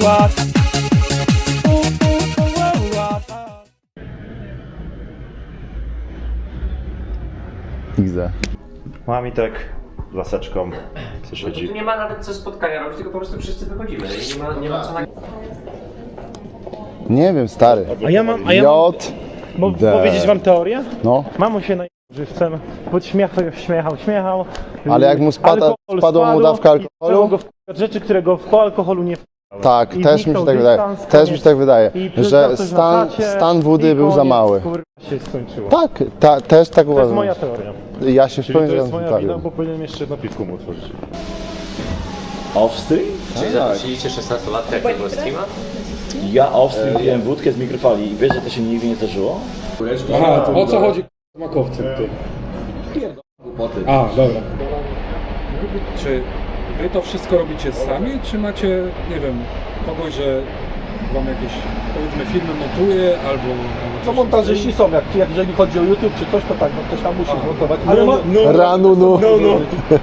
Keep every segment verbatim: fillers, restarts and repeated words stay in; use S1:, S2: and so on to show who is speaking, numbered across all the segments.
S1: Widzę.
S2: Mam i tak laseczką. Coś
S3: No to tu nie ma nawet co spotkania robić, tylko po prostu wszyscy wychodzimy. Nie ma, nie ma co na...
S1: Nie wiem, stary.
S4: A ja mam, a ja mam,
S1: J.
S4: mo-
S1: D.
S4: powiedzieć wam teorię?
S1: No,
S4: Mamo się najżywcem, podśmiechał, śmiechał, śmiechał.
S1: ale jak mu spada,
S4: Alkohol
S1: spadła mu
S4: spadł
S1: dawka
S4: i
S1: alkoholu?
S4: zaczęło go wkurwiać rzeczy, które go po alkoholu nie wkurzały.
S1: Tak,
S4: I
S1: też mi
S4: zniknął
S1: się tak wydaje.
S4: dystans,
S1: Też mi
S4: koniec.
S1: się tak wydaje,
S4: I
S1: że
S4: przyznał coś na
S1: stan,
S4: chacie
S1: stan wody
S4: i
S1: był za
S4: koniec,
S1: mały.
S4: kurwa, się skończyło.
S1: Tak, ta, też tak
S4: To jest
S1: uważam.
S4: moja teoria.
S1: Ja się w
S5: Czyli
S1: pełni
S5: to jest
S1: zgadzam z
S5: moja wina,
S1: Witalią.
S5: bo powinienem jeszcze jedno piwko mu otworzyć.
S6: Offstream?
S3: Czyli zaprosiliście szesnastolatka jakiego streama?
S6: Ja offstream piłem wódkę z mikrofali i wiesz, że to się nigdy nie zdarzyło?
S7: Aha, to o co chodzi z makowcem, ty? A, dobra. Czy wy to wszystko robicie sami, czy macie, nie wiem, kogoś, że wam jakieś, powiedzmy, filmy montuje, albo...
S8: No montażyści są, jak, jak jeżeli chodzi o YouTube czy coś, to tak, no ktoś tam musi zmontować.
S4: Ale ma, no,
S1: Ranu, no.
S4: no, no.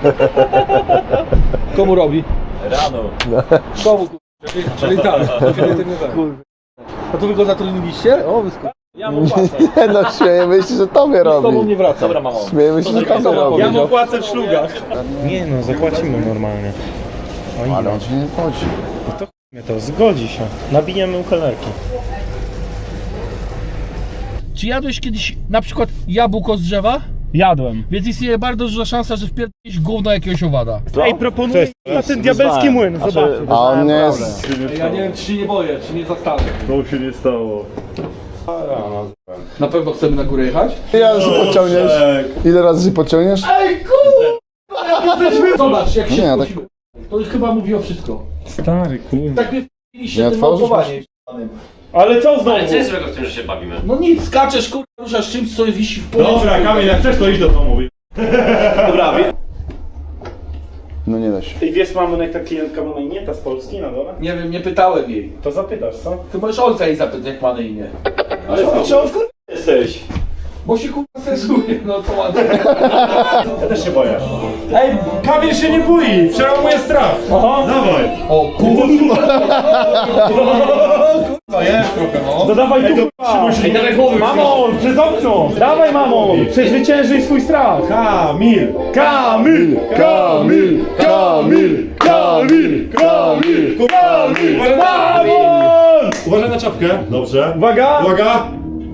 S8: Komu robi?
S6: Rano.
S8: Komu?
S7: Czyli, czyli tak, definitywnie tak.
S8: A to wy go zatrudniliście? O, wysku...
S7: Ja mu płacę.
S1: Nie no, śmiejemy się, że tobie
S8: Z tobą
S1: robi.
S8: nie wraca.
S6: Dobra, mamo.
S1: Śmiejemy się, że tobie robi.
S4: Ja mu płacę w szlugach. Nie no, zapłacimy normalnie. O
S1: Ale
S4: ile?
S1: on ci nie chodzi.
S4: To mnie to zgodzi się. Nabijemy ukelerki.
S9: Czy jadłeś kiedyś na przykład jabłko z drzewa?
S4: Jadłem.
S9: Więc istnieje bardzo duża szansa, że wpierdolisz gówno jakiegoś owada.
S4: Ej, proponuję na ten diabelski młyn, zobaczcie.
S1: A on nie jest...
S8: Ja nie wiem, czy się nie boję, czy nie zastanę.
S5: To się nie stało.
S8: Na pewno chcemy na górę jechać?
S1: Ile razy pociągniesz? Ile razy się pociągniesz?
S8: Ej, kurwa! Zobacz, jak się
S1: Nie,
S8: wchodzimy. To chyba mówi o wszystko.
S4: Stary, kurwa.
S8: Tak mnie wpiliście
S1: Nie
S8: tym
S1: otworzysz
S8: małpowaniem.
S4: Ale co znowu?
S3: Ale co jest złego w tym, że się bawimy?
S8: No nic, skaczesz, kurwa, ruszasz czymś, co wisi w polu.
S5: Dobra, Kamil, jak chcesz, to idź do domu.
S2: Dobra, wie...
S1: No nie da się.
S4: I wiesz, mamy jak ta klientka ma na imię, ta z Polski na dole?
S8: Nie wiem, nie pytałem jej.
S4: To zapytasz, co?
S8: Ty możesz Olka jej zapytać, jak ma na imię.
S2: Ale co on wkur... jesteś?
S8: Bo się kurwa stresuje, no to ładnie.
S5: Ja też się boję. Ej, Kamil się nie boi, przełamuje strach. Aha. Dawaj.
S8: O kurwa! Kurwa, jest trochę, no.
S4: To dawaj tu, kurwa!
S8: Ej, dawaj głowy.
S4: Mamo, przez okno! Dawaj, mamo! Przezwyciężyj swój strach!
S5: Kamil.
S4: Kamil!
S1: Kamil! Kamil! Kamil! Kamil!
S4: Kamil! Mamon!
S5: Uważaj na czapkę. Dobrze.
S4: Uwaga!
S5: Uwaga.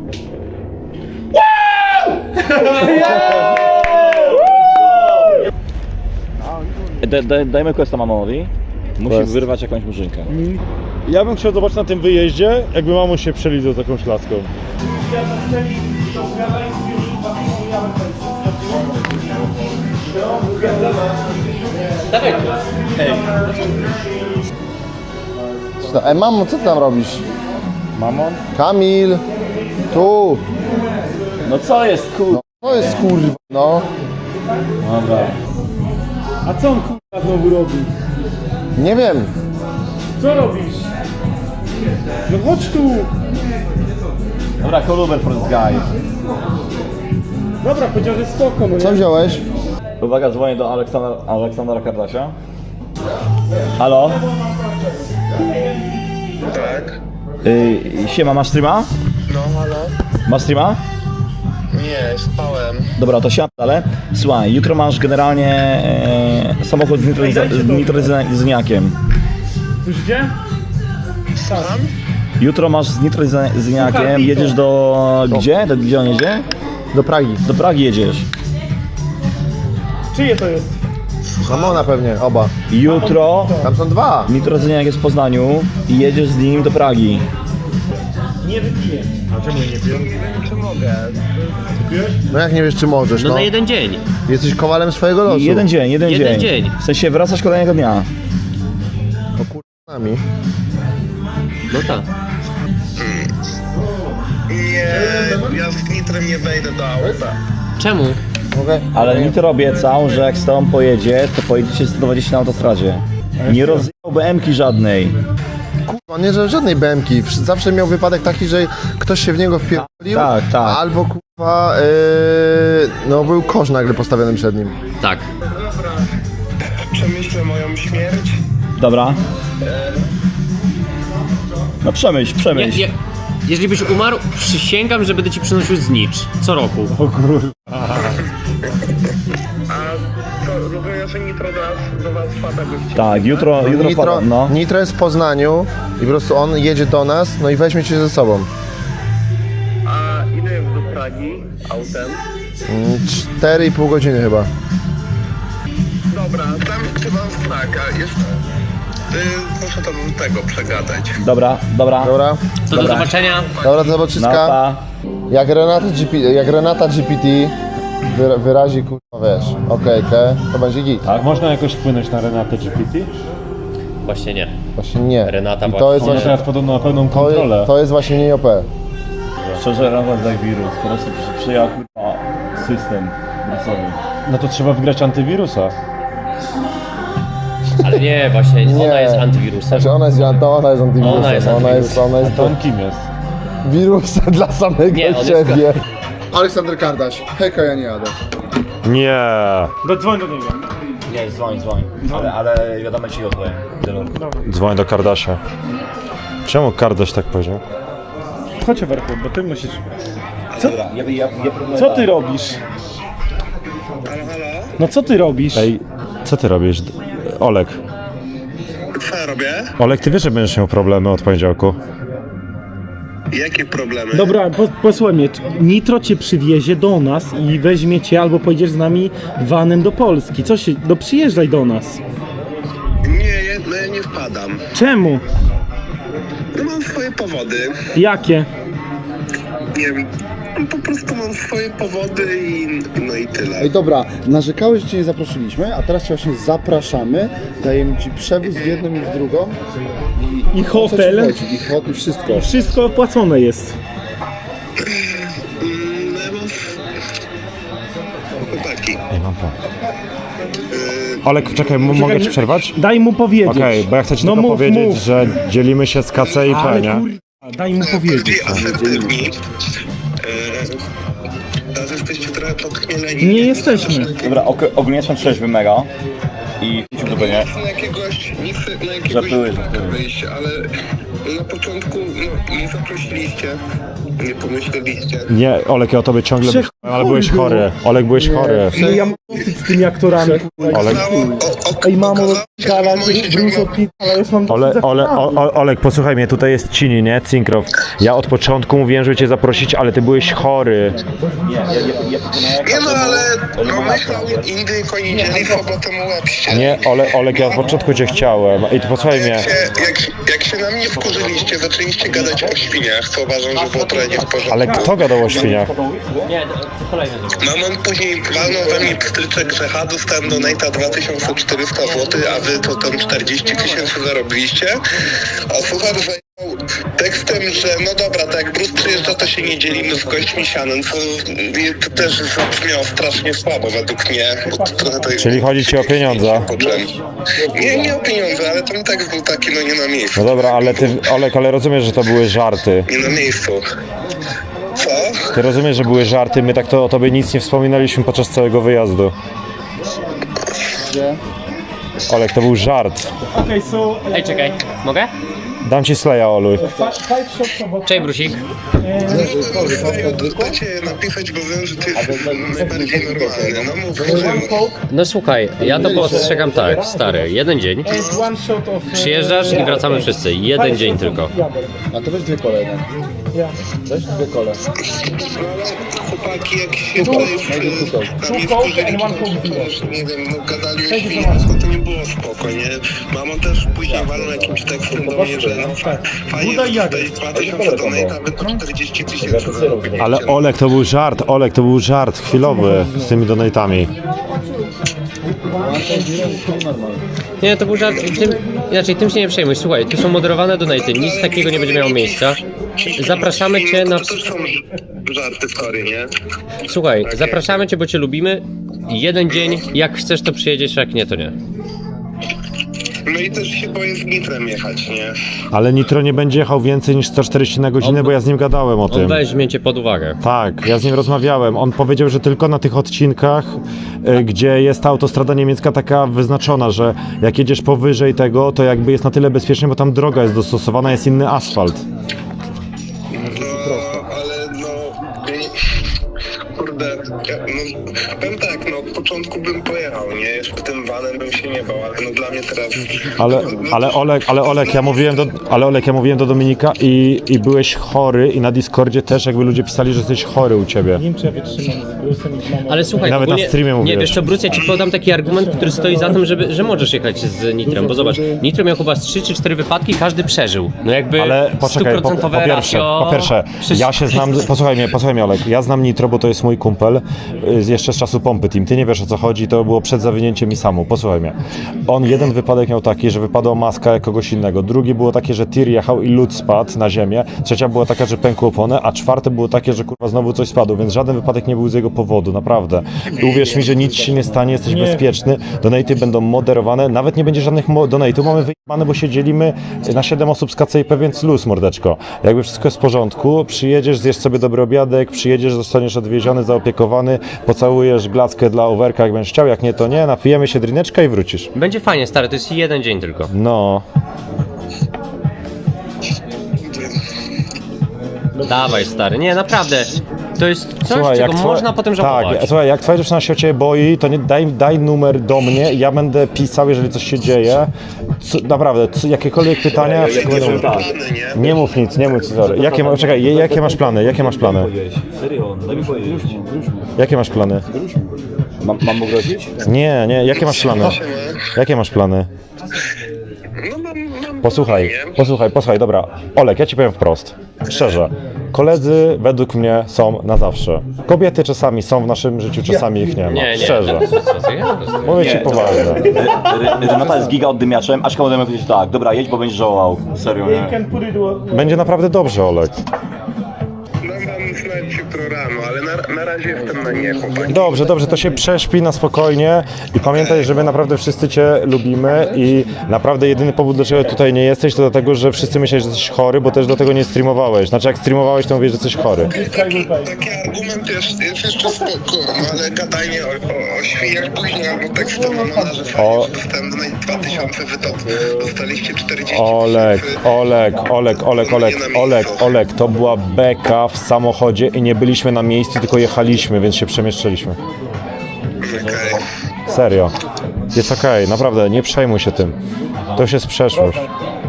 S6: Da, da, dajmy questa mamowi. Musi
S1: Quest.
S6: wyrwać jakąś murzynkę.
S5: Ja bym chciał zobaczyć na tym wyjeździe, jakby mamo się przelizał z jakąś laską.
S3: Dawaj tu.
S1: Co tam- Ej, mamo, co ty tam robisz?
S6: Mamon?
S1: Kamil! Tu!
S6: No co jest, kur...
S1: To jest kurwa, no.
S6: Dobra.
S4: A co on kurwa znowu robi?
S1: Nie wiem.
S4: Co robisz? No chodź tu!
S6: Dobra, call Uber for this guy.
S4: Dobra, powiedział, że spoko, no
S1: Co
S4: nie?
S1: wziąłeś?
S6: Uwaga, dzwonię do Aleksandra, Aleksandra Kardasia. Halo?
S10: Tak?
S6: Yy, siema, masz streama?
S10: No, halo?
S6: Masz streama?
S10: Nie, spałem.
S6: Dobra, to siadam dalej. Słuchaj, jutro masz generalnie e, samochód z, nitrozyza- z nitrozyniakiem.
S4: Słyszycie?
S10: Słucham?
S6: Jutro masz z nitrozyniakiem,
S4: Słuchaj,
S6: jedziesz do... gdzie? Do, gdzie on jedzie?
S1: Do Pragi.
S6: Do Pragi jedziesz.
S4: Czyje to jest?
S1: Mamona pewnie, oba.
S6: Jutro
S1: Tam są dwa.
S6: nitrozyniak jest w Poznaniu i jedziesz z nim do Pragi.
S4: Nie wypiję.
S5: A czemu nie piję?
S10: Czy mogę?
S1: No jak nie wiesz, czy możesz,
S3: No
S1: no.
S3: na jeden dzień.
S1: Jesteś kowalem swojego losu.
S6: Jeden dzień, jeden,
S3: Jeden
S6: dzień.
S3: dzień.
S6: W sensie wracasz kolejnego dnia.
S1: O kurwa nami.
S3: No tak.
S10: Nie, ja z nitrem nie wejdę do auta.
S3: Czemu?
S1: Okej.
S6: Ale Nitro obiecał, że jak z tobą pojedzie, to pojedziecie sto dwadzieścia na autostradzie. Nie rozjechał B M ki żadnej.
S1: Kurwa, nie że żadnej B M ki. Wsz- Zawsze miał wypadek taki, że ktoś się w niego wpierdolił.
S6: Tak, tak.
S1: Albo kurwa, yy, no był kosz nagle postawiony przed nim.
S3: Tak.
S10: Przemyślę moją śmierć.
S6: Dobra. No przemyśl,
S3: Nie,
S6: przemyśl.
S3: nie. Jeżeli byś umarł, przysięgam, że będę ci przynosił znicz. Co roku.
S10: A co, rozumiem, że Nitro do was, do was wpada gości.
S6: Tak, jutro, jutro
S1: Nitro,
S6: wpadam, no.
S1: Nitro jest w Poznaniu i po prostu on jedzie do nas, no i weźmie cię ze sobą.
S10: A ile jest do Pragi autem?
S1: cztery i pół godziny chyba.
S10: Dobra, tam trzeba znak, a jeszcze... Y, muszę to do tego przegadać.
S6: Dobra, dobra.
S1: Dobra?
S3: To do zobaczenia.
S1: Dobra, do
S6: No,
S1: zobaczyska.
S6: pa.
S1: Jak Renata G P, jak Renata G P T wyra, wyrazi, kurwa, wiesz, okejkę, to będzie git.
S5: A można jakoś wpłynąć na Renatę G P T?
S3: Właśnie nie.
S1: Właśnie nie.
S3: Renata
S1: I to
S3: właśnie-
S1: jest
S5: Ona
S1: właśnie,
S5: teraz podobno ma pełną
S1: to,
S5: kontrolę.
S1: jest- to jest właśnie nie O P.
S6: Szczerze, Rawan jak wirus. Po prostu przy- przyjął kurwa system wirusowy.
S5: No to trzeba wygrać antywirusa.
S3: Ale nie, właśnie,
S1: Nie.
S3: ona jest antywirusem.
S1: Znaczy ona jest, to ona jest antywirusem.
S3: Ona jest
S1: Ona jest, ona
S5: A
S1: jest
S5: to on kim jest?
S1: wirusem dla samego
S3: Nie, on jest-
S1: siebie. Aleksander Kardaś. Hejka, ja nie jadę.
S2: Nie.
S5: No dzwoń do niego.
S6: Nie, dzwoń, dzwoń. Ale, ale wiadomo ci odpowiem.
S2: Dzwoń do Kardasia. Czemu Kardaś tak powiedział?
S5: Chodź Werku, bo ty musisz...
S6: Dobra, ja, ja, ja proponuję
S5: Co ty
S6: tak.
S5: robisz?
S10: Halo, halo?
S5: No co ty robisz?
S2: Ej, co ty robisz? D- Olek.
S10: Co ja robię?
S2: Olek, ty wiesz, że będziesz miał problemy od poniedziałku?
S10: Jakie problemy?
S5: Dobra, po, posłuchaj mnie. Nitro cię przywiezie do nas i weźmie cię albo pojedziesz z nami vanem do Polski. Co się... No przyjeżdżaj do nas.
S10: Nie, ja, no ja nie wpadam.
S5: Czemu?
S10: No mam swoje powody.
S5: Jakie?
S10: Nie wiem, po prostu mam swoje powody i no i tyle.
S1: Ej, dobra, narzekałeś, że cię nie zaprosiliśmy, a teraz cię właśnie zapraszamy, dajemy ci przewóz w jedną i w drugą.
S5: I
S1: O co ci
S5: hotel.
S1: chodzi? I hotel, wszystko.
S5: Wszystko opłacone jest.
S10: Mm, no ja mam... Chłopaki,
S2: Ej, mam plan. Olek, czekaj, m- mogę ci przerwać?
S5: Daj mu powiedzieć.
S2: Okej, bo ja chcę ci
S5: No
S2: tylko
S5: mów,
S2: powiedzieć,
S5: mów.
S2: że dzielimy się z K C i P,
S5: Ale
S2: nie?
S5: kurwa, daj mu powiedzieć.
S10: bardziej asertywni. Eee, teraz jesteście trochę podchmieleni.
S5: Nie jesteśmy.
S6: Dobra, ok, ogólnie jestem trzeźwy mega. I idźmy do mnie.
S10: Nic na jakiegoś, nic na jakiegoś
S6: Żartuję, żartuję.
S10: wyjść, ale na początku no, nie zaprosiliście, nie pomyśleliście.
S2: Nie, Olek, ja o tobie ciągle
S5: Trzech
S2: myślałem, ale byłeś
S5: chuj
S2: chory. Olek, byłeś chory.
S5: No ja mam dosyć z tymi aktorami. kurwa.
S2: Olek,
S10: Okazało- o- o-
S5: Ej mamo,
S10: okazało się, że
S5: gala,
S10: mamo się
S5: Bruce
S10: ciągle-
S5: Pitt, ale już mam dosyć
S2: Ole,
S5: z
S2: ole,
S5: aktorami.
S2: o, o, Olek, posłuchaj mnie, tutaj jest Cini, nie? Cinkrow. Ja od początku mówiłem, żeby cię zaprosić, ale ty byłeś chory.
S6: Nie, ja, ja, ja proponuję
S10: Nie no, ale
S6: Oni mogą
S10: pomyślał Indyjko i dzieli sobotę mu łebście.
S2: Nie, Ole, Olek, ja od początku cię chciałem. I ty posłuchaj mnie.
S10: Jak się, jak, jak się na mnie wkurzyliście, zaczęliście gadać o świniach, co uważam, że było trochę nie w porządku.
S2: Ale kto gadał o świniach?
S3: Nie, to kolejny zobacz.
S10: Mamon później walnął we mnie pstryczek, że ha, dostałem donate'a dwa tysiące czterysta złotych, a wy to tam czterdzieści tysięcy zarobiliście. A suchar zajął tekstem, że no dobra, tak jak Bruce przyjeżdża, to się nie dzielimy z gośćmi sianem, co to też zabrzmiało strasznie słabo według mnie. Bo to trochę to
S2: Czyli chodzi ci o pieniądze?
S10: Poczułem. Nie, nie o pieniądze, ale ten tekst był taki, no nie na miejscu.
S2: No dobra, ale ty, Olek, ale rozumiesz, że to były żarty.
S10: Nie na miejscu. Co?
S2: Ty rozumiesz, że były żarty, my tak to o tobie nic nie wspominaliśmy podczas całego wyjazdu. Olek, to był żart.
S5: Okej, so...
S3: Ej, czekaj, mogę?
S2: Dam ci Slaya, Olu.
S5: Five shots about...
S3: Cześć, Brusik.
S10: Serio, dajcie napisać, bo wiem, że ty jesteś najbardziej normalny. No mów, mów.
S3: No słuchaj, ja to postrzegam tak, stary, jeden dzień,
S5: And one shot of...
S3: przyjeżdżasz i wracamy wszyscy, jeden dzień tylko.
S1: A to weź dwie kole, no. Weź dwie kole.
S10: Chłopaki, jak się tutaj na mnie wkurzyli, to nie wiem, no gadali o świniach, to nie było spoko, nie? Mamo też później walną jakimś tekstem do mnie, że no fajnie, że tutaj dwa tysiące donate'a, wy to czterdzieści tysięcy zarobiliście.
S2: Ale Olek, to był żart, Olek, to był żart chwilowy z tymi donatami.
S3: Nie, to był żart, tym, inaczej, tym się nie przejmuj, słuchaj, tu są moderowane donaty, nic takiego nie będzie miało miejsca. Zapraszamy cię na...
S10: To też są żarty w tory, nie?
S3: Słuchaj, zapraszamy cię, bo cię lubimy, jeden dzień, jak chcesz to przyjedziesz, jak nie, to nie.
S10: No i też się boję z nitrem jechać, nie?
S2: Ale Nitro nie będzie jechał więcej niż sto czterdzieści na godzinę, bo ja z nim gadałem o
S3: On
S2: tym.
S3: weźmie cię pod uwagę.
S2: Tak, ja z nim rozmawiałem. On powiedział, że tylko na tych odcinkach, y, gdzie jest ta autostrada niemiecka taka wyznaczona, że jak jedziesz powyżej tego, to jakby jest na tyle bezpiecznie, bo tam droga jest dostosowana, jest inny asfalt.
S10: No, ale no... Kurde, ja, no, powiem tak, no od początku bym pojechał, nie? Jeszcze tym vanem bym się nie bał, ale no dla mnie teraz...
S2: Ale, ale Olek, ale Olek, ja mówiłem do, ale Olek, ja mówiłem do Dominika i, i byłeś chory i na Discordzie też jakby ludzie pisali, że jesteś chory u ciebie.
S5: Nie wiem, czy ja wytrzymam z Brusem i z mamą.
S3: Ale słuchaj,
S2: I nawet na
S3: ogólnie-
S2: streamie
S3: nie,
S2: mówiłeś.
S3: wiesz co, Bruce, ja ci podam taki argument, który stoi za tym, żeby, że możesz jechać z Nitrem, bo zobacz, Nitro miał chyba z trzy czy cztery wypadki, każdy przeżył. No jakby
S2: Ale poczekaj, po, po,
S3: stuprocentowe
S2: pierwsze,
S3: ratio...
S2: po pierwsze,
S3: Przecież-
S2: ja się znam, posłuchaj mnie, posłuchaj mnie Olek, ja znam Nitro, bo to jest mój kumpel, y, z jeszcze z czasu Pompy Team, ty nie wiesz o co chodzi, to było przed zawinięciem mi samu, posłuchaj mnie. On jeden wypadek miał taki, że wypadła maska jak kogoś innego, drugi było takie, że tir jechał i lód spadł na ziemię, trzecia była taka, że pękły opony, a czwarte było takie, że kurwa znowu coś spadło, więc żaden wypadek nie był z jego powodu, naprawdę. I uwierz mi, że nic się nie stanie, jesteś
S5: Nie.
S2: bezpieczny, donaty będą moderowane, nawet nie będzie żadnych mo- donate'ów, mamy wyjebane, bo się dzielimy na siedem osób z K C I P, więc luz, mordeczko. Jakby wszystko jest w porządku, przyjedziesz, zjesz sobie dobry obiadek, przyjedziesz, zostaniesz odwieziony, zaopiekowany, pocałujesz glackę dla overka, jak będziesz chciał, jak nie, to nie, napijemy się drineczka i wrócisz.
S3: Będzie fajnie, stary, to jest jeden dzień tylko.
S2: No,
S3: Dawaj, stary, nie, naprawdę. To jest coś,
S2: słuchaj,
S3: czego
S2: twoja-
S3: można potem żałować.
S2: Tak, słuchaj, jak twoja dziewczyna się o ciebie boi, to nie, daj, daj numer do mnie, ja będę pisał, jeżeli coś się dzieje. Co, naprawdę, co, jakiekolwiek pytania, wszystko będę mówił.
S10: Plany, nie?
S2: Nie mów nic, nie mów nic, sorry. Jakie, ma- czekaj, jakie masz plany, jakie masz plany?
S6: Serio, daj mi powiedzieć.
S2: Jakie masz plany?
S6: Mam, mam mu grozić?
S2: Nie, nie, jakie masz plany? Jakie masz plany?
S10: No mam, mam
S2: Posłuchaj,
S10: nie?
S2: posłuchaj, posłuchaj, dobra. Olek, ja ci powiem wprost, szczerze. Koledzy według mnie są na zawsze. Kobiety czasami są w naszym życiu, czasami ich nie ma.
S3: Nie, nie.
S2: Szczerze.
S3: Co, ja?
S2: Mówię ci poważnie.
S6: Renata jest giga oddymiaczem, Aśka możemy powiedzieć tak, dobra, jedź, bo będziesz żałował. Serio, nie?
S2: Będzie naprawdę dobrze, Olek.
S10: Dam wam znać jutro rano, ale na, na razie jestem na nie, chłopaki.
S2: Dobrze, dobrze, to się prześpi na spokojnie i pamiętaj, że my naprawdę wszyscy cię lubimy i naprawdę jedyny powód, dlaczego tutaj nie jesteś, to dlatego, że wszyscy myśleli, że jesteś chory, bo też dlatego nie streamowałeś. Znaczy jak streamowałeś, to mówisz, że jesteś chory.
S10: Taki, taki argument jest, jest jeszcze spoko, no ale gadanie o, o, o świniach później albo tekst to mam na że
S2: O.
S10: fajnie, że dostałem na dwa tysiące wytop, dostaliście czterdzieści
S2: Olek,
S10: tysięcy.
S2: Olek, Olek, Olek, Olek, Olek, Olek, to była beka w samochodzie i nie byliśmy na miejscu, tylko jechaliśmy, więc się przemieszczaliśmy.
S10: Okej.
S2: Serio. Jest okej, naprawdę, nie przejmuj się tym. To już jest przeszłość.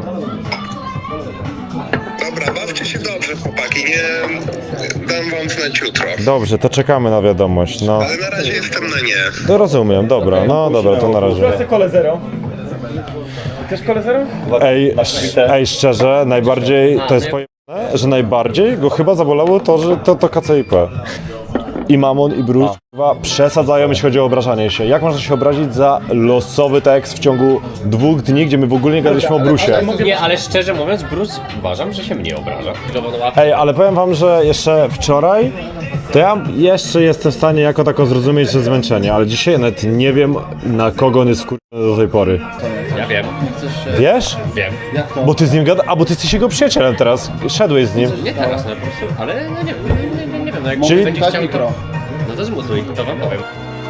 S10: Dobra, bawcie się dobrze, chłopaki, nie dam wam znać jutro.
S2: Dobrze, to czekamy na wiadomość, no.
S10: Ale na razie jestem na nie.
S2: To rozumiem, dobra, no dobra, to na razie.
S5: Proszę kole zero. Też kole zero?
S2: Ej, sz- ej, szczerze, najbardziej, to jest pojemne, że najbardziej go chyba zabolało to, że to, to K C I P. I Mamon, i Bruce chyba przesadzają, jeśli chodzi o obrażanie się. Jak można się obrazić za losowy tekst w ciągu dwóch dni, gdzie my w ogóle nie gadaliśmy o Brusie?
S3: Nie, ale szczerze mówiąc, Bruce uważam, że się mnie obraża.
S2: Ej, ale powiem wam, że jeszcze wczoraj to ja jeszcze jestem w stanie jako tako zrozumieć, że zmęczenie, ale dzisiaj nawet nie wiem, na kogo on jest wkurwiony do tej pory.
S3: Ja wiem,
S2: Wiesz?
S3: wiem.
S2: Bo ty z nim gada, a bo ty jesteś jego przyjacielem teraz, szedłeś z nim.
S3: Nie teraz, no po prostu, ale no nie, nie, nie, nie wiem, no jak
S2: Czyli-
S3: będzie chciał, to, no to zmutuj, to wam powiem.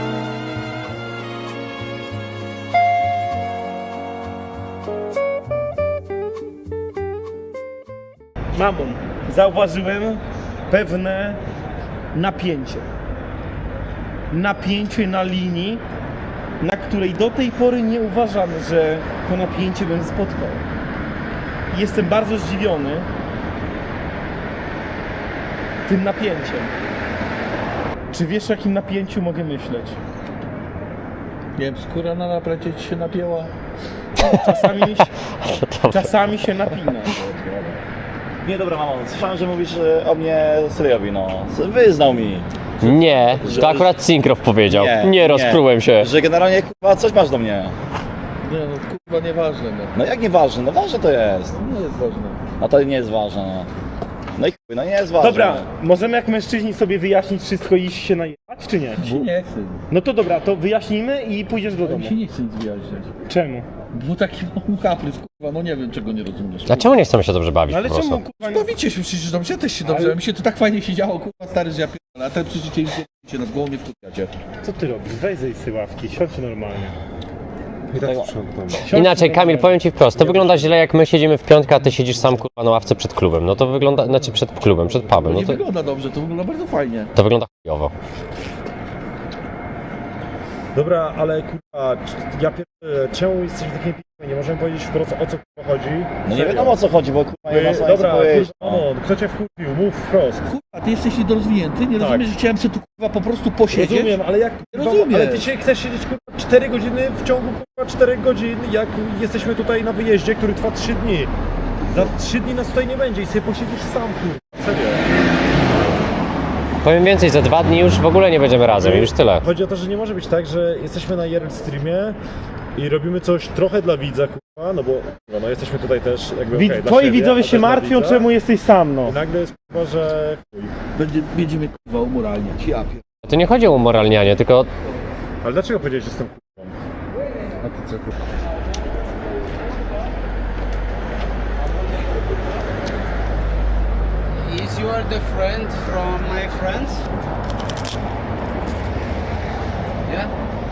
S5: Mamon, zauważyłem pewne napięcie. Napięcie na linii, na której do tej pory nie uważam, że to napięcie bym spotkał. Jestem bardzo zdziwiony tym napięciem. Czy wiesz, o jakim napięciu mogę myśleć?
S9: Nie wiem, skóra na naplecie ci się napięła.
S5: Czasami, czasami się napina.
S6: Nie, dobra, mamo, słyszałem, że mówisz e, o mnie Seriowi, no. Wyznał mi.
S3: Nie,
S6: Że-
S3: to akurat Syncroft powiedział.
S6: Nie,
S3: Nie,
S6: nie.
S3: rozprułem się.
S6: Że generalnie, kurwa, coś masz do mnie.
S9: Nie no, kurwa, nieważne, no.
S6: No jak nieważne? No ważne to jest.
S9: Nie jest ważne.
S6: A to nie jest ważne, no. No i chuj, no nie jest ważne.
S5: Dobra, możemy jak mężczyźni sobie wyjaśnić wszystko i iść się najebać, czy nie?
S9: Mi się nie chce.
S5: No to dobra, to wyjaśnijmy i pójdziesz do domu.
S9: Mi się nie chce nic wyjaśniać.
S5: Czemu?
S9: Był taki kaprys, kurwa, no nie wiem czego nie rozumiesz.
S3: A czemu nie chcemy się dobrze bawić
S5: Ale
S3: po prostu?
S5: czemu kurwa nie...
S9: Bawicie się przecież dobrze, ja też się dobrze, mi się to tak fajnie się działo, kurwa stary, że ja pierdolę, a ten przyjdziecie i się nad głową nie wkurwiacie.
S5: Co ty robisz? Weź zejść z tej ławki, siądź normalnie. I tak sprzątam.
S3: Inaczej, Kamil, powiem ci wprost, to wygląda źle, jak my siedzimy w piątkę, a ty siedzisz sam kurwa na ławce przed klubem. No to wygląda, znaczy przed klubem, przed pubem.
S9: To
S3: No
S9: nie
S3: to,
S9: wygląda dobrze, to wygląda bardzo fajnie.
S3: to wygląda chujowo.
S4: Dobra, ale kurwa, ja pierdolę, czemu jesteś w takiej p***? Nie możemy powiedzieć wprost, o co kurwa chodzi?
S6: No nie wiadomo o co chodzi, bo kurwa nie ma sensu
S4: Dobra,
S6: powiedzieć.
S4: kurwa, no, kto cię wkurwił? Mów wprost.
S9: Kurwa, ty jesteś niedorozwinięty, nie
S4: Tak.
S9: rozumiesz, że chciałem sobie tu kurwa po prostu posiedzieć?
S4: Rozumiem, ale jak kurwa,
S9: Rozumiem.
S4: ale ty się chcesz siedzieć kurwa cztery godziny w ciągu kurwa czterech godzin, jak jesteśmy tutaj na wyjeździe, który trwa trzy dni. Za trzy dni nas tutaj nie będzie i sobie posiedzisz sam kurwa, serio.
S3: Powiem więcej, za dwa dni już w ogóle nie będziemy razem, już tyle.
S4: Chodzi o to, że nie może być tak, że jesteśmy na I R L streamie i robimy coś trochę dla widza, kurwa, no bo kurwa, no jesteśmy tutaj też jakby
S5: Wid-
S4: okej, dla
S5: twoi
S4: siebie,
S5: widzowie
S4: a
S5: się
S4: też dla
S5: martwią,
S4: widza.
S5: czemu jesteś sam, no.
S4: I nagle jest kurwa, że chuj.
S9: Będzie, będziemy kurwa umoralniać, ja pier...
S3: To nie chodzi o umoralnianie, tylko
S4: Ale dlaczego powiedziałeś, że jestem kurwą?
S9: A ty co kurwa?
S11: Is you are the friend from my friends? Yeah?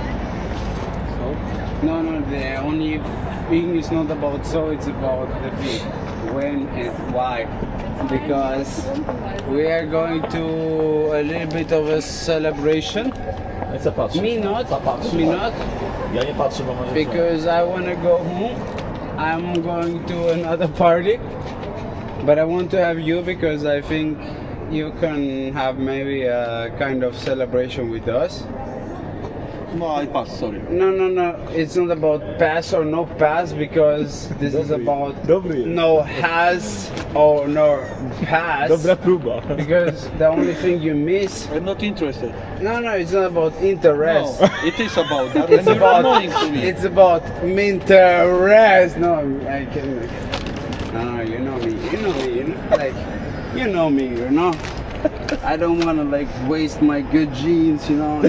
S11: So? No, no, the only thing is not about so, it's about the thing. When and why. Because we are going to a little bit of a celebration.
S6: Nie chcę patrzeć.
S11: Me not, me not,
S6: Ja nie patrzę, bo może
S11: because I want to go home. I'm going to another party. But I want to have you because I think you can have maybe a kind of celebration with us.
S9: No I pass, sorry.
S11: No, no, no. It's not about pass or no pass because this is about
S4: Dobry.
S11: no has or no pass.
S4: Dobra próba.
S11: Because the only thing you miss.
S9: I'm not interested.
S11: No, no, it's not about interest.
S9: No, it is about that.
S11: It's
S9: and you're
S11: about
S9: annoying to me.
S11: it's about interest. No, I can. No, no, you know me. You know me. You know, like, you know me. You know. I don't want to like waste my good genes. You know.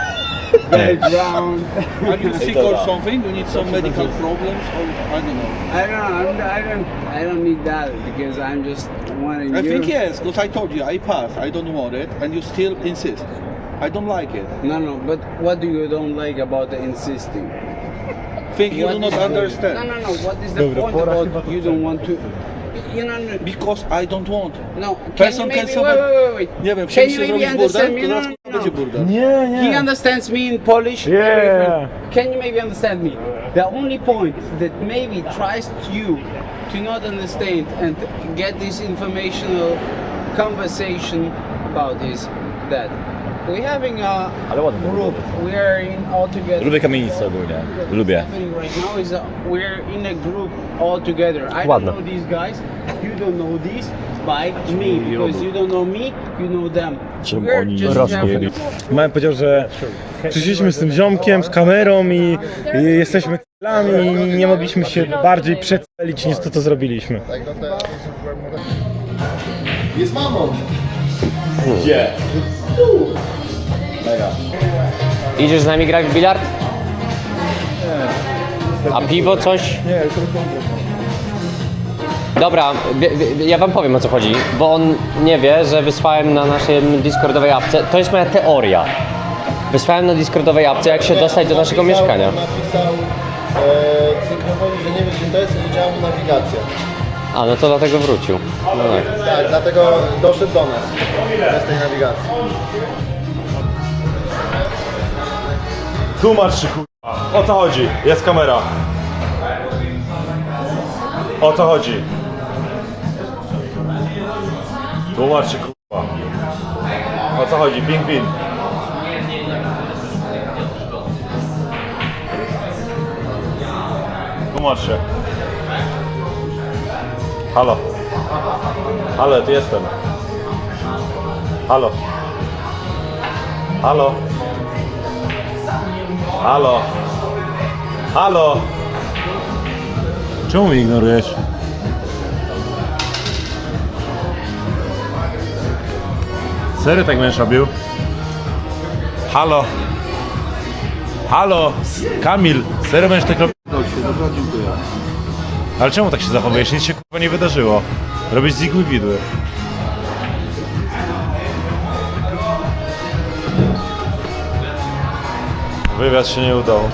S11: Background.
S9: Are you sick or something? You need some medical problems or I don't know.
S11: I don't. I'm, I don't. I don't need that because I'm just wanting
S9: I
S11: you.
S9: think yes, because I told you I pass, I don't want it, and you still insist. I don't like it.
S11: No, no. But what do you don't like about the insisting?
S9: Think you
S11: What
S9: do not
S11: is the-
S9: understand.
S11: No, no, no. What is the point about you don't want to? You know. no-
S9: Because I don't want.
S11: No. Can you
S9: Person
S11: maybe,
S9: can
S11: wait,
S9: sobie...
S11: wait, wait, wait.
S9: Nie wiem,
S11: Can
S9: chcieliście
S11: you maybe
S9: zrobić burdel,
S11: understand me?
S9: to
S11: No,
S9: teraz
S11: no, no.
S9: będzie burdel.
S4: Nie,
S11: He
S4: nie.
S11: understands me in Polish.
S4: Yeah.
S11: Can you maybe understand me? The only point that maybe tries you to not understand and get this informational conversation about is that we're having a
S6: Ale ładnie.
S11: group. We are in all together.
S6: Lubię kamienicę ogólnie. Lubię.
S11: Happening right now is that we're in a group all together. I
S3: Ładne.
S11: don't know these guys. You don't know these by me because you don't know me. You know them.
S6: Czym
S11: We're
S6: oni
S11: just
S6: rosną?
S11: having-
S4: Małem powiedział, że przyszliśmy z tym ziomkiem, z kamerą i, i jesteśmy c***lami i nie mogliśmy się bardziej przecelić niż to, co zrobiliśmy.
S1: Jest mamą!
S3: idziesz z nami grać w bilard? A piwo coś?
S9: Nie, to
S3: Dobra, wie, wie, ja wam powiem o co chodzi, bo on nie wie, że wysłałem na naszej Discordowej apce, to jest moja teoria. Wysłałem na Discordowej apce, jak się dostać do naszego mieszkania.
S1: Napisał e, cynkowowi, że nie wie gdzie to jest i nie działa mu nawigacja.
S3: A, no to dlatego wrócił. No tak.
S1: Tak, dlatego doszedł do nas. Bez tej nawigacji.
S4: Tłumacz się kurwa. O co chodzi? Jest kamera. O co chodzi? Tłumacz się kurwa. O co chodzi? Pingwin. Tłumacz się. Halo. Halo, tu jestem. Halo. Halo. Halo. Halo. Czemu mnie ignorujesz? Serio tak będziesz robił? Halo. Halo. Kamil. Serio będziesz tak robił?
S9: się, dobra, dziękuję.
S2: Ale czemu tak się zachowujesz? Nic się kurwa nie wydarzyło. Robisz z igły widły. Wywiad się nie udał.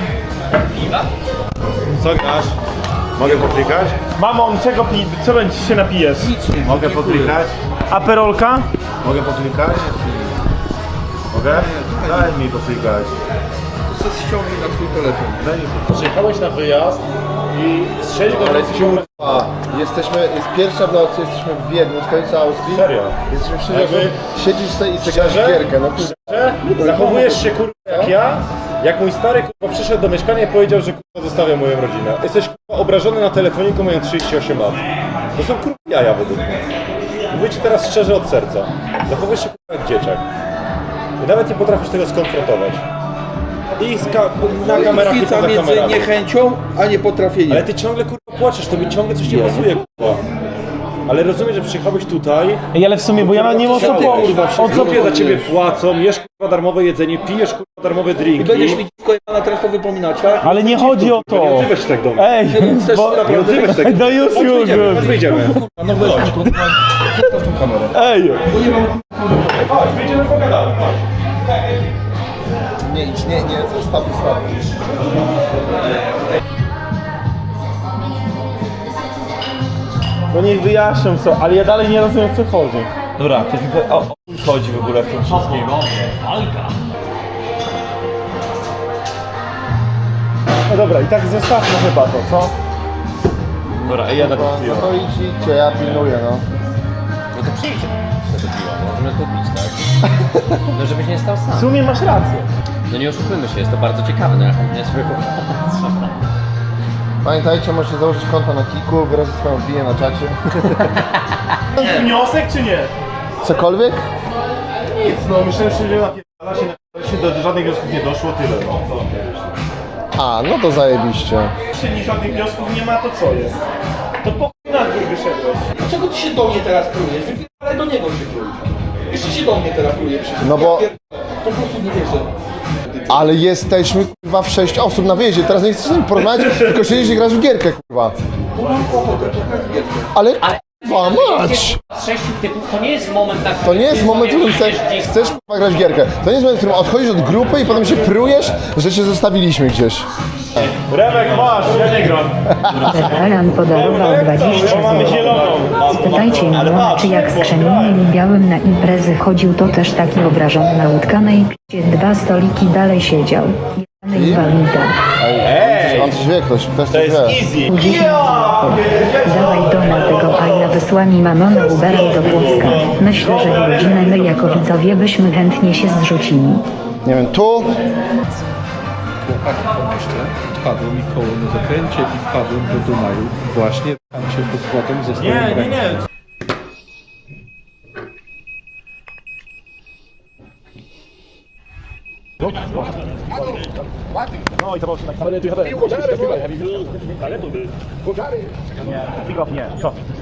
S2: Co grasz? Mogę poklikać?
S5: Mamo, czego pi... co będzie się napijesz?
S2: Mogę poklikać?
S5: Aperolka?
S2: Mogę poklikać? Mogę? Daj mi poklikać.
S9: To se ściągnij na twój telefon.
S2: Daj mi poklikać. Przyjechałeś na wyjazd i z sześć godzin...
S1: A, jesteśmy, jest pierwsza w nocy, jesteśmy w Wiedniu, w stolicy Austrii.
S2: Serio?
S1: Jesteśmy wszyscy,
S2: Jakby-
S1: siedzisz sobie i sobie grasz w gierkę, no kurwa.
S2: Zachowujesz się kurwa jak ja, jak mój stary kurwa przyszedł do mieszkania i powiedział, że kurwa zostawia moją rodzinę. Jesteś kurwa obrażony na telefoniku, mając trzydzieści osiem lat. To są kurwa jaja według mnie. Mówię ci teraz szczerze od serca. Zachowujesz się kurwa jak dzieciak. I nawet nie potrafisz tego skonfrontować. I z ka na kamerach i
S9: Różnica
S2: poza
S9: między
S2: kamerami.
S9: niechęcią, a niepotrafieniem.
S2: Ale ty ciągle kurwa płaczesz, to mi ciągle coś nie pasuje kurwa. Ale rozumiem, że przyjechałeś tutaj.
S5: Ej, ale w sumie, bo ja nie mam co po...
S2: O co za ciebie płacą, jesz kurwa darmowe jedzenie, pijesz kurwa darmowe drinki.
S9: I będziesz mi dziwko na teraz to wypominać, tak?
S5: Ale nie chodzi o to.
S2: Nie odzywaj się tak do mnie.
S5: Ej,
S9: Chcesz
S5: bo...
S2: Nie odzywaj się tak.
S5: No już,
S2: Chodź
S5: już,
S2: wyjdziemy,
S5: już.
S2: chodź wyjdziemy.
S9: No weź mi kurwa, zostaw tą kamerę.
S5: Ej!
S2: Chodź, wyjdziemy pogadamy.
S1: Nie idź, nie, nie, zostaw, zostaw.
S5: No niech wyjaśnią co, ale ja dalej nie rozumiem o co chodzi. Dobra, ktoś mi powie, o, o co chodzi w ogóle w tym wszystkim? No dobra, i tak zostawmy chyba to, co? Dobra, ej, ja tak
S1: No, no to idź, idźcie, ja pilnuję, no.
S3: No to przyjdź do tego piwa, no możemy to pić, tak? No żebyś nie stał
S5: W
S3: sam.
S5: sumie masz rację.
S3: No nie oszukujmy się, jest to bardzo ciekawe, no ja chętnie sobie popatrzę.
S1: Pamiętajcie, możecie założyć konto na Kiku, wyrazić swoją opinię na czacie.
S5: Wniosek czy nie?
S1: Cokolwiek?
S2: Nic, no myślałem, że nie napierdala się, na- się do żadnych wniosków nie doszło, tyle. No, co?
S1: A, no to zajebiście.
S5: Jeśli żadnych wniosków nie ma, to co jest? To po chuj na dwór wyszedłeś.
S9: Dlaczego ty się do mnie teraz plujesz? Ale do niego się plujesz. Jeszcze się do mnie teraz pluje przecież.
S1: No bo-
S9: Ja pier- Po prostu nie wierzę.
S1: Ale jesteśmy kurwa w sześć osób na wyjeździe, teraz nie chcesz z nimi porozmawiać, tylko siedzisz i grasz w gierkę kurwa. Ale kurwa mać!
S3: Z sześciu typów to nie jest moment tak.
S1: To nie jest moment, w którym chcesz, chcesz kurwa grać w gierkę. To nie jest moment, w którym odchodzisz od grupy i potem się prujesz, że cię zostawiliśmy gdzieś.
S2: Remek, masz, ja nie gram.
S12: Alan podarował dwadzieścia
S2: Mamy
S12: złotych.
S2: zieloną.
S12: Spytajcie Ilona, czy jak z krzemieniem i białym na imprezy chodził, to też taki obrażony na łódkanej picie dwa stoliki dalej siedział. Jany inwalida.
S1: Ej, on coś wie, ktoś, ktoś coś wie.
S2: Easy.
S12: dziesięć złotych. Dawaj Dona tego Aina, wysłaj mi mamona Uberem do Płocka. Myślę, że w godzinę my jako widzowie byśmy chętnie się zrzucili.
S1: Nie wiem, tu?
S9: Chłopaki pomyślę, wpadło mi koło na zakręcie i wpadłem do Dunaju. Właśnie tam się pod wodą ze swoim
S2: Nie, nie, nie.
S5: No i to było tak samo. Nie, pick off nie, co?